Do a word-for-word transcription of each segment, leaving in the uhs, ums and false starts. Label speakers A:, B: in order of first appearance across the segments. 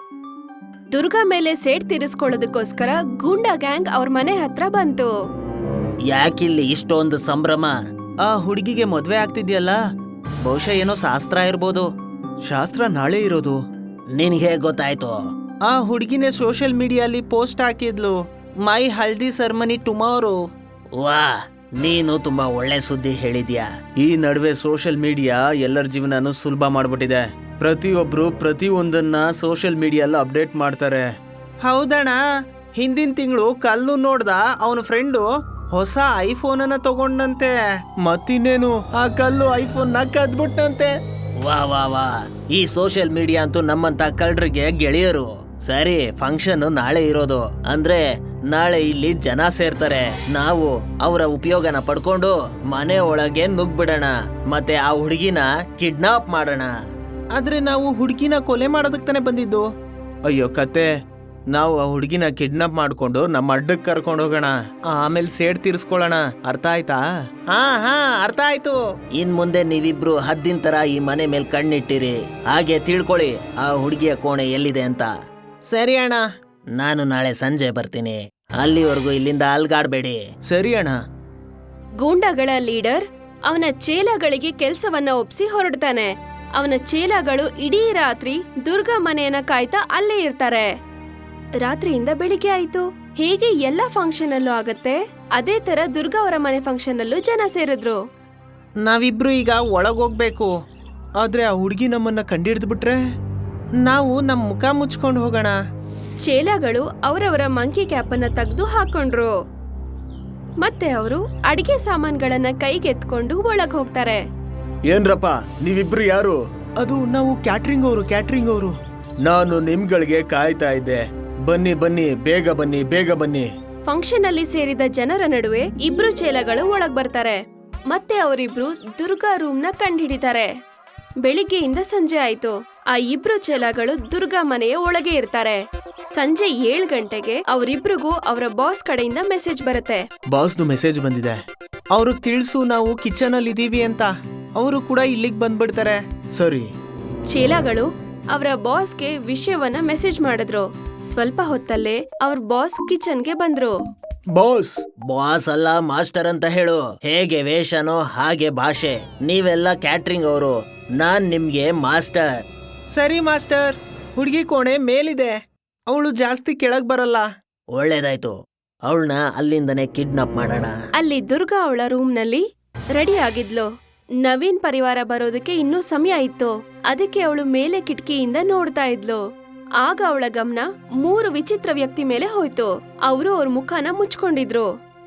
A: ದುರ್ಗಾ ಮೇಲೆ ಸೇಡ್ ತೀರಿಸ್ಕೊಳ್ಳೋದಕ್ಕೋಸ್ಕರ ಗೂಂಡಾ ಗ್ಯಾಂಗ್ ಅವ್ರ ಮನೆ ಹತ್ರ ಬಂತು.
B: ಯಾಕಿಲ್ಲಿ ಇಷ್ಟೊಂದು ಸಂಭ್ರಮ? ಆ ಹುಡುಗಿಗೆ ಮದ್ವೆ ಆಗ್ತಿದ್ಯಲ್ಲ, ಬಹುಶಃ ಏನೋ ಶಾಸ್ತ್ರ ಇರ್ಬೋದು. ಶಾಸ್ತ್ರ ನಾಳೆ ಇರೋದು. ನಿನ್ಗೆ ಗೊತ್ತಾಯ್ತು? ಆ ಹುಡುಗಿನೇ ಸೋಷಿಯಲ್ ಮೀಡಿಯಲ್ಲಿ ಪೋಸ್ಟ್ ಹಾಕಿದ್ಲು, ಮೈ ಹಲ್ದಿ ಸೆರೆಮನಿ ಟುಮಾರೋ. ವಾ, ನೀನು ತುಂಬಾ ಒಳ್ಳೆ ಸುದ್ದಿ ಹೇಳಿದ್ಯಾ. ಈ ನಡುವೆ ಸೋಷಿಯಲ್ ಮೀಡಿಯಾ ಎಲ್ಲರ ಜೀವನನು ಸುಲಭ ಮಾಡ್ಬಿಟ್ಟಿದೆ. ಪ್ರತಿಯೊಬ್ರು ಪ್ರತಿಯೊಂದನ್ನ ಸೋಷಿಯಲ್ ಮೀಡಿಯಲ್ಲಿ ಅಪ್ಡೇಟ್ ಮಾಡ್ತಾರೆ. ಹೌದಣ್ಣ, ಹಿಂದಿನ ತಿಂಗಳು ಕಲ್ಲು ನೋಡ್ದ ಅವನ ಫ್ರೆಂಡು ಹೊಸ ಐಫೋನ್ ಅನ್ನ ತಗೊಂಡಂತೆ. ಮತ್ತಿನ್ನೇನು, ಆ ಕಲ್ಲು ಐಫೋನ್ ನ ಕದ್ಬಿಟ್ಟಂತೆ. ವಾ ವಾ ವಾ, ಈ ಸೋಷಿಯಲ್ ಮೀಡಿಯಾ ಅಂತೂ ನಮ್ಮಂತ ಕಳ್ಳರಿಗೆ ಗೆಳೆಯರು. ಸರಿ, ಫಂಕ್ಷನ್ ನಾಳೆ ಇರೋದು ಅಂದ್ರೆ ನಾಳೆ ಇಲ್ಲಿ ಜನ ಸೇರ್ತಾರೆ. ನಾವು ಅವರ ಉಪಯೋಗನ ಪಡ್ಕೊಂಡು ಮನೆ ಒಳಗೆ ನುಗ್ಬಿಡೋಣ, ಮತ್ತೆ ಆ ಹುಡುಗಿನ ಕಿಡ್ನಾಪ್ ಮಾಡೋಣ. ಆದ್ರೆ ನಾವು ಹುಡುಗಿನ ಕೊಲೆ ಮಾಡೋದಕ್ಕೆ ತಾನೆ ಬಂದಿದ್ದು. ಅಯ್ಯೋ ಕತೆ, ನಾವು ಆ ಹುಡುಗಿನ ಕಿಡ್ನಾಪ್ ಮಾಡ್ಕೊಂಡು ನಮ್ಮ ಅಡ್ಡಕ್ಕೆ ಕರ್ಕೊಂಡು ಹೋಗೋಣ, ಆಮೇಲೆ ಸೇಡ್ ತೀರಿಸ್ಕೊಳ್ಳೋಣ. ಅರ್ಥ ಆಯ್ತಾ? ಹಾ ಹಾ ಅರ್ಥ ಆಯ್ತು. ಇನ್ ಮುಂದೆ ನೀವಿಬ್ರು ಹದ್ದಿನ ತರ ಈ ಮನೆ ಮೇಲೆ ಕಣ್ಣಿಟ್ಟಿರಿ, ಹಾಗೆ ತಿಳ್ಕೊಳ್ಳಿ ಆ ಹುಡುಗಿಯ ಕೋಣೆ ಎಲ್ಲಿದೆ ಅಂತ. ಸರಿ ಅಣ್ಣ, ನಾನು ನಾಳೆ ಸಂಜೆ ಬರ್ತೀನಿ. ಅಲ್ಲಿವರೆಗೂ ಇಲ್ಲಿಂದ ಅಲ್ಗಾಡ್ಬೇಡಿ. ಸರಿ ಅಣ್ಣ.
A: ಗೂಂಡಾಗಳ ಲೀಡರ್ ಅವನ ಚೇಲಾಗಳಿಗೆ ಕೆಲ್ಸವನ್ನ ಒಪ್ಸಿ ಹೊರಡ್ತಾನೆ. ಅವನ ಚೇಲಾಗಳು ಇಡೀ ರಾತ್ರಿ ದುರ್ಗಾ ಮನೆಯನ್ನ ಕಾಯ್ತಾ ಅಲ್ಲೇ ಇರ್ತಾರೆ. ರಾತ್ರಿಯಿಂದ ಬೆಳಿಗ್ಗೆ ಆಯ್ತು. ಹೇಗೆ ಎಲ್ಲಾ ಫಂಕ್ಷನ್ ಅಲ್ಲೂ ಆಗತ್ತೆ, ಅದೇ ತರ ದುರ್ಗಾ ಅವರ ಮನೆ ಫಂಕ್ಷನ್ ಅಲ್ಲೂ ಜನ ಸೇರಿದ್ರು.
B: ನಾವಿಬ್ರು ಈಗ ಒಳಗೋಗ್ಬೇಕು, ಆದ್ರೆ ಆ ಹುಡುಗಿ ನಮ್ಮನ್ನ ಕಂಡಿಡ್ದು ಬಿಟ್ರೆ ನಾವು ನಮ್ ಮುಖ ಮುಚ್ಕೊಂಡು ಹೋಗೋಣ.
A: ಚೇಲಾಗಳು ಅವರವರ ಮಂಕಿ ಕ್ಯಾಪ್ ಅನ್ನ ತೆಗೆದು ಹಾಕೊಂಡ್ರು. ಮತ್ತೆ ಅವರು ಅಡಿಗೆ ಸಾಮಾನ್ಗಳನ್ನ ಕೈಗೆತ್ಕೊಂಡು ಒಳಗ್ ಹೋಗ್ತಾರೆ.
B: ಏನ್ರಪ್ಪ ನೀವಿಬ್ರು ಯಾರು? ಅದು ನಾವು ಕ್ಯಾಟ್ರಿಂಗ್ ಅವರು ಕ್ಯಾಟ್ರಿಂಗ್ ಅವರು ನಾನು ನಿಮ್ಗಳಿಗೆ ಕಾಯ್ತಾ ಇದ್ದೆ. ಬನ್ನಿ ಬನ್ನಿ, ಬೇಗ ಬನ್ನಿ ಬೇಗ ಬನ್ನಿ.
A: ಫಂಕ್ಷನ್ ಅಲ್ಲಿ ಸೇರಿದ ಜನರ ನಡುವೆ ಇಬ್ರು ಚೇಲಾಗಳು ಒಳಗ್ ಬರ್ತಾರೆ. ಮತ್ತೆ ಅವರಿಬ್ರು ದುರ್ಗಾ ರೂಮ್ ನ ಕಂಡುಹಿಡಿತಾರೆ. ಬೆಳಿಗ್ಗೆಯಿಂದ ಸಂಜೆ ಆಯ್ತು. ಆ ಇಬ್ರು ಚೇಲಾಗಳು ದುರ್ಗಾ ಮನೆಯ ಒಳಗೆ ಇರ್ತಾರೆ. ಸಂಜೆ ಏಳು ಗಂಟೆಗೆ ಅವರಿಬ್ರಿಗೂ ಅವರ ಬಾಸ್ ಕಡೆಯಿಂದ ಮೆಸೇಜ್ ಬರುತ್ತೆ.
B: ಬಾಸ್ದು ಮೆಸೇಜ್ ಬಂದಿದೆ, ಅವ್ರಿಗೆ ತಿಳಿಸು ನಾವು ಕಿಚನ್ ಅಲ್ಲಿ ಇದೀವಿ ಅಂತ. ಅವರು ಕೂಡ ಇಲ್ಲಿಗೆ ಬಂದ್ಬಿಡ್ತಾರೆ. ಸರಿ.
A: ಚೇಲಾಗಳು ಅವರ ಬಾಸ್ಗೆ ವಿಷಯವನ್ನ ಮೆಸೇಜ್ ಮಾಡಿದ್ರು. ಸ್ವಲ್ಪ ಹೊತ್ತಲ್ಲೇ ಅವ್ರ ಬಾಸ್ ಕಿಚನ್ಗೆ ಬಂದ್ರು.
B: ಬಾಸ್ ಬಾಸ್ ಅಲ್ಲ ಮಾಸ್ಟರ್ ಅಂತ ಹೇಳು. ಹೇಗೆ ವೇಷನೋ ಹಾಗೆ ಭಾಷೆ. ನೀವೆಲ್ಲ ಕ್ಯಾಟ್ರಿಂಗ್ ಅವರು, ನಾನ್ ನಿಮ್ಗೆ ಮಾಸ್ಟರ್. ಸರಿ ಮಾಸ್ಟರ್. ಹುಡುಗಿ ಕೋಣೆ ಮೇಲಿದೆ, ಅವಳು ಜಾಸ್ತಿ ಕೆಳಗ್ ಬರಲ್ಲ. ಒಳ್ಳೇದಾಯ್ತು, ಅವಳನ್ನ ಅಲ್ಲಿಂದನೇ ಕಿಡ್ನಾಪ್ ಮಾಡೋಣ.
A: ಅಲ್ಲಿ ದುರ್ಗಾ ಅವಳ ರೂಮ್ ನಲ್ಲಿ ರೆಡಿ ಆಗಿದ್ಲು. ನವೀನ್ ಪರಿವಾರ ಬರೋದಕ್ಕೆ ಇನ್ನೂ ಸಮಯ ಇತ್ತು. ಅದಕ್ಕೆ ಅವಳು ಮೇಲೆ ಕಿಟಕಿಯಿಂದ ನೋಡ್ತಾ ಇದ್ಲು. ಆಗ ಅವಳ ಗಮನ ಮೂರು ವಿಚಿತ್ರ ವ್ಯಕ್ತಿ ಮೇಲೆ ಹೋಯ್ತು. ಅವರು ಅವ್ರ ಮುಖನ ಮುಚ್ಕೊಂಡಿದ್ರು.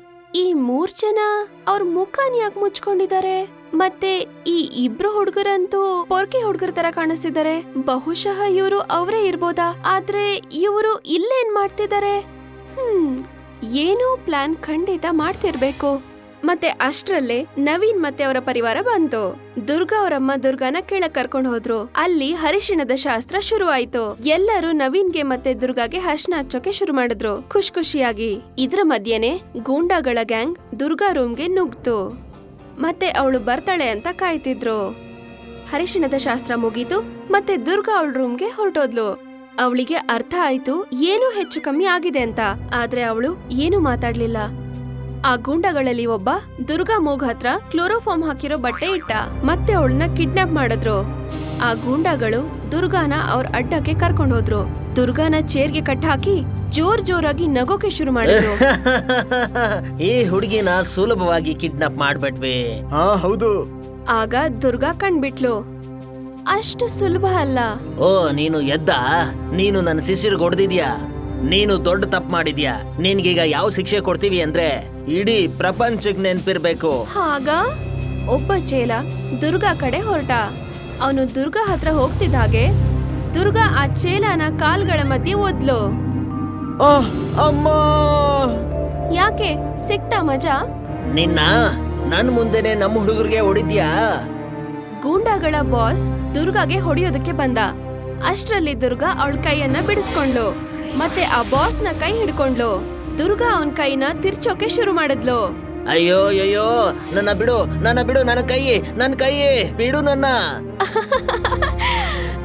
A: ಈ ಮೂರ್ ಜನ ಅವ್ರ ಮುಖನ ಯಾಕೆ ಮುಚ್ಕೊಂಡಿದ್ದಾರೆ? ಮತ್ತೆ ಈ ಇಬ್ರು ಹುಡುಗರಂತೂ ಪೊರ್ಕಿ ಹುಡುಗರ ತರ ಕಾಣಿಸ್ತಿದ್ದಾರೆ. ಬಹುಶಃ ಇವರು ಅವರೇ ಇರ್ಬೋದಾ? ಆದ್ರೆ ಇವರು ಇಲ್ಲೇನ್ ಮಾಡ್ತಿದ್ದಾರೆ? ಹ್ಮ್ ಏನೋ ಪ್ಲಾನ್ ಖಂಡಿತ ಮಾಡ್ತಿರ್ಬೇಕು. ಮತ್ತೆ ಅಷ್ಟ್ರಲ್ಲೇ ನವೀನ್ ಮತ್ತೆ ಅವರ ಪರಿವಾರ ಬಂತು. ದುರ್ಗಾ ಅವರಮ್ಮ ದುರ್ಗಾನ ಕೆಳಗ್ ಕರ್ಕೊಂಡು ಹೋದ್ರು. ಅಲ್ಲಿ ಹರಿಶಿಣದ ಶಾಸ್ತ್ರ ಶುರು ಆಯ್ತು. ಎಲ್ಲರೂ ನವೀನ್ಗೆ ಮತ್ತೆ ದುರ್ಗಾಗೆ ಹರ್ಷಣ ಹಚ್ಚೋಕೆ ಶುರು ಮಾಡಿದ್ರು, ಖುಷ್ ಖುಷಿಯಾಗಿ. ಇದ್ರ ಮಧ್ಯೆನೆ ಗೂಂಡಾಗಳ ಗ್ಯಾಂಗ್ ದುರ್ಗಾ ರೂಮ್ಗೆ ನುಗ್ತು. ಮತ್ತೆ ಅವಳು ಬರ್ತಾಳೆ ಅಂತ ಕಾಯ್ತಿದ್ರು. ಹರಿಶಿಣದ ಶಾಸ್ತ್ರ ಮುಗೀತು. ಮತ್ತೆ ದುರ್ಗಾ ಅವಳ ರೂಮ್ಗೆ ಹೊರಟೋದ್ಲು. ಅವಳಿಗೆ ಅರ್ಥ ಆಯ್ತು ಏನೋ ಹೆಚ್ಚು ಕಮ್ಮಿ ಆಗಿದೆ ಅಂತ. ಆದ್ರೆ ಅವಳು ಏನು ಮಾತಾಡ್ಲಿಲ್ಲ. ಆ ಗೂಂಡಗಳಲ್ಲಿ ಒಬ್ಬ ದುರ್ಗಾ ಮೂಗ್ ಹತ್ರ ಕ್ಲೋರೋಫಾರ್ಮ್ ಹಾಕಿರೋ ಬಟ್ಟೆ ಇಟ್ಟ. ಮತ್ತೆ ಅವಳನ್ನ ಕಿಡ್ನಾಪ್ ಮಾಡಿದ್ರು. ಆ ಗೂಂಡಾಗಳು ದುರ್ಗಾನ ಅವ್ರ ಅಡ್ಡಕ್ಕೆ ಕರ್ಕೊಂಡು ಹೋದ್ರು. ದುರ್ಗಾನ ಚೇರ್ಗೆ ಕಟ್ ಹಾಕಿ ಜೋರ್ ಜೋರಾಗಿ ನಗೋಕೆ ಶುರು ಮಾಡಿದ್ರು.
B: ಈ ಹುಡುಗಿನ ಸುಲಭವಾಗಿ ಕಿಡ್ನಾಪ್ ಮಾಡ್ಬಿಟ್ವಿ. ಹಾ ಹೌದು.
A: ಆಗ ದುರ್ಗಾ ಕಂಡ್ಬಿಟ್ಲು, ಅಷ್ಟು ಸುಲಭ ಅಲ್ಲ.
B: ಓ ನೀನು ಎದ್ದ? ನೀನು ನನ್ನ ಶಿಶಿರ್ ಹೊಡೆದಿದ್ಯಾ? ನೀನು ದೊಡ್ಡ ತಪ್ಪು ಮಾಡಿದ್ಯಾ. ನಿನ್ಗೀಗ ಯಾವ ಶಿಕ್ಷೆ ಕೊಡ್ತೀವಿ ಅಂದ್ರೆ ಇಡೀ ಪ್ರಪಂಚಕ್ ನೆನ್ಪಿರ್ಬೇಕು.
A: ಆಗ ಒಬ್ಬ ಚೇಲ ದುರ್ಗಾ ಕಡೆ ಹೊರಟ. ಅವನು ದುರ್ಗಾ ಹತ್ರ ಹೋಗ್ತಿದ್ದ ಹಾಗೆ ದುರ್ಗಾ ಆ ಚೇಲನ ಕಾಲ್ಗಳ ಮಧ್ಯೆ ಒದ್ಲು.
B: ಅಮ್ಮ,
A: ಯಾಕೆ ಸಿಕ್ತಾ ಮಜಾ?
B: ನಿನ್ನ ನನ್ ಮುಂದೆನೆ ನಮ್ಮ ಹುಡುಗರಿಗೆ ಹೊಡಿದ್ಯಾ?
A: ಗೂಂಡಾಗಳ ಬಾಸ್ ದುರ್ಗಾಗೆ ಹೊಡೆಯೋದಕ್ಕೆ ಬಂದ. ಅಷ್ಟ್ರಲ್ಲಿ ದುರ್ಗಾ ಅವಳ ಕೈಯನ್ನ ಬಿಡಿಸ್ಕೊಂಡ್ಲು. ಮತ್ತೆ ಆ ಬಾಸ್ ನ ಕೈ ಹಿಡ್ಕೊಂಡ್ಲು. ದುರ್ಗಾ ಅವನ್ ಕೈನ ತಿರ್ಚೋಕೆ ಶುರು ಮಾಡಿದ್ಲು.
B: ಅಯ್ಯೋ ಅಯ್ಯೋ, ನನ್ನ ಬಿಡು, ನನ್ನ ಬಿಡು, ನನ್ನ ಕೈ, ನನ್ನ ಕೈ ಬಿಡು ನನ್ನ.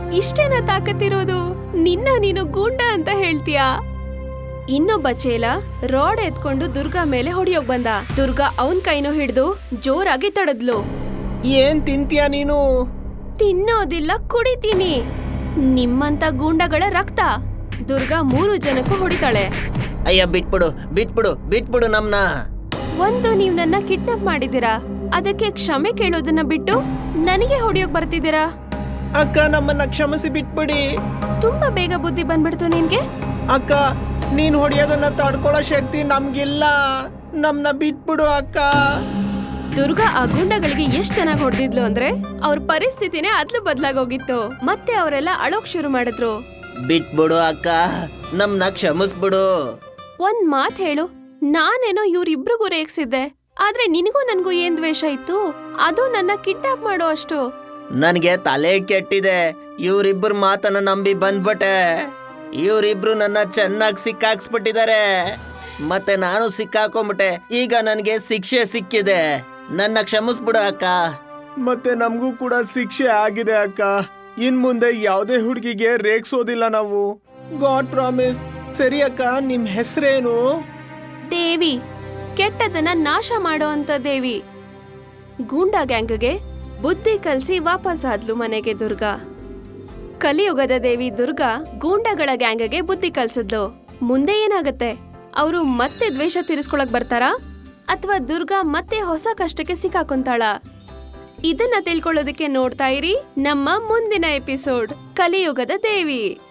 A: ಇಷ್ಟೇನ ತಾಕತ್ತಿರೋದು? ನಿನ್ನ ನೀನು ಗೂಂಡ ಅಂತ ಹೇಳ್ತೀಯಾ? ಇನ್ನೊಬ್ಬ ಚೇಲ ರಾಡ್ ಎತ್ಕೊಂಡು ದುರ್ಗಾ ಮೇಲೆ ಹೊಡಿಯೋಕ್ ಬಂದ. ದುರ್ಗಾ ಅವನ್ ಕೈನೂ ಹಿಡ್ದು ಜೋರಾಗಿ ತಡದ್ಲು.
B: ಏನ್ ತಿಂತೀಯ ನೀನು?
A: ತಿನ್ನೋದಿಲ್ಲ, ಕುಡಿತೀನಿ. ನಿಮ್ಮಂತ ಗೂಂಡಗಳ ರಕ್ತ. ದುರ್ಗಾ ಮೂರು ಜನಕ್ಕೂ ಹೊಡಿತಾಳೆ.
B: ಅಯ್ಯ ಬಿಟ್ಬಿಡು ಬಿಟ್ಬಿಡು ಬಿಟ್ಬಿಡು ನಮ್ನ.
A: ಒಂದು ನೀವ್ ನನ್ನ ಕಿಡ್ನಾಪ್ ಮಾಡಿದೀರಾ, ಅದಕ್ಕೆ ಕ್ಷಮೆ ಕೇಳೋದನ್ನ ಬಿಟ್ಟು ನನಗೆ ಹೊಡಿಯೋಕ್ ಬರ್ತಿದ್ದೀರಾ.
B: ಅಕ್ಕ ನಮ್ಮನ್ನ ಕ್ಷಮಿಸಿ ಬಿಟ್ಬಿಡಿ.
A: ತುಂಬಾ ಬೇಗ ಬುದ್ಧಿ ಬಂದ್ಬಿಡ್ತು ನಿನ್ಗೆ.
B: ಅಕ್ಕ ನೀನ್ ಹೊಡಿಯೋದನ್ನ ತಡ್ಕೊಳ್ಳೋ ಶಕ್ತಿ ನಮ್ಗಿಲ್ಲ, ನಮ್ನ ಬಿಟ್ಬಿಡು ಅಕ್ಕ.
A: ದುರ್ಗಾ ಆ ಗುಂಡಗಳಿಗೆ ಎಷ್ಟ್ ಚೆನ್ನಾಗಿ ಹೊಡೆದಿದ್ಲು ಅಂದ್ರೆ ಅವ್ರ ಪರಿಸ್ಥಿತಿನೇ ಅದ್ಲು ಬದ್ಲಾಗೋಗಿತ್ತು. ಮತ್ತೆ ಅವರೆಲ್ಲ ಅಳೋಕ್ ಶುರು ಮಾಡಿದ್ರು.
B: ಬಿಟ್ಬಿಡು ಅಕ್ಕ, ನಮ್ನ ಕ್ಷಮಿಸ್ಬಿಡು.
A: ಒಂದ್ ಮಾತ್ ಹೇಳು, ನಾನೇನೋ ಇವ್ರಿಬ್ರಿಗೂ ರೇಗ್ಸಿದ್ದೆ, ಆದ್ರೆ ನಿನಗೂ ನನ್ಗೂ ಏನ್ ದ್ವೇಷ ಇತ್ತು? ಅದು ನನ್ನ ಕಿಡ್ನಾಪ್ ಮಾಡೋ ಅಷ್ಟು.
B: ನನ್ಗೆ ತಲೆ ಕೆಟ್ಟಿದೆ. ಇವ್ರಿಬ್ರು ಮಾತನ್ನ ನಂಬಿ ಬಂದ್ಬಿಟ್ಟೆ. ಇವ್ರಿಬ್ರು ನನ್ನ ಚೆನ್ನಾಗಿ ಸಿಕ್ಕಾಕ್ಸ್ಬಿಟ್ಟಿದ್ದಾರೆ. ಮತ್ತೆ ನಾನು ಸಿಕ್ಕಾಕೊಂಡ್ಬಿಟ್ಟೆ. ಈಗ ನನ್ಗೆ ಶಿಕ್ಷೆ ಸಿಕ್ಕಿದೆ. ನನ್ನ ಕ್ಷಮಿಸ್ಬಿಡು ಅಕ್ಕ. ಮತ್ತೆ ನಮಗೂ ಕೂಡ ಶಿಕ್ಷೆ ಆಗಿದೆ ಅಕ್ಕ. ಇನ್ ಮುಂದೆ ಯಾವುದೇ ಹುಡುಗಿಗೆ ರೇಗ್ಸೋದಿಲ್ಲ ನಾವು. God promise. ಸರಿ ಅಕ್ಕ, ನಿಮ್ ಹೆಸರೇನು?
A: ದೇವಿ, ಕೆಟ್ಟದನ್ನ ನಾಶ ಮಾಡೋ ಅಂತ ದೇವಿ. ಗೂಂಡಾ ಗ್ಯಾಂಗ್ಗೆ ಬುದ್ಧಿ ಕಲ್ಸಿ ವಾಪಸ್ ಆದ್ಲು ಮನೆಗೆ ದುರ್ಗಾ. ಕಲಿಯುಗದ ದೇವಿ ದುರ್ಗಾ ಗೂಂಡಾಗಳ ಗ್ಯಾಂಗ್ಗೆ ಬುದ್ಧಿ ಕಲ್ಸಿದ್ಲು. ಮುಂದೆ ಏನಾಗತ್ತೆ? ಅವರು ಮತ್ತೆ ದ್ವೇಷ ತೀರಿಸ್ಕೊಳಕ್ ಬರ್ತಾರಾ ಅಥವಾ ದುರ್ಗಾ ಮತ್ತೆ ಹೊಸ ಕಷ್ಟಕ್ಕೆ ಸಿಕ್ಕಾಕೊಂತಾಳ? ಇದನ್ನ ತಿಳ್ಕೊಳ್ಳೋದಕ್ಕೆ ನೋಡ್ತಾ ಇರಿ ನಮ್ಮ ಮುಂದಿನ ಎಪಿಸೋಡ್ ಕಲಿಯುಗದ ದೇವಿ.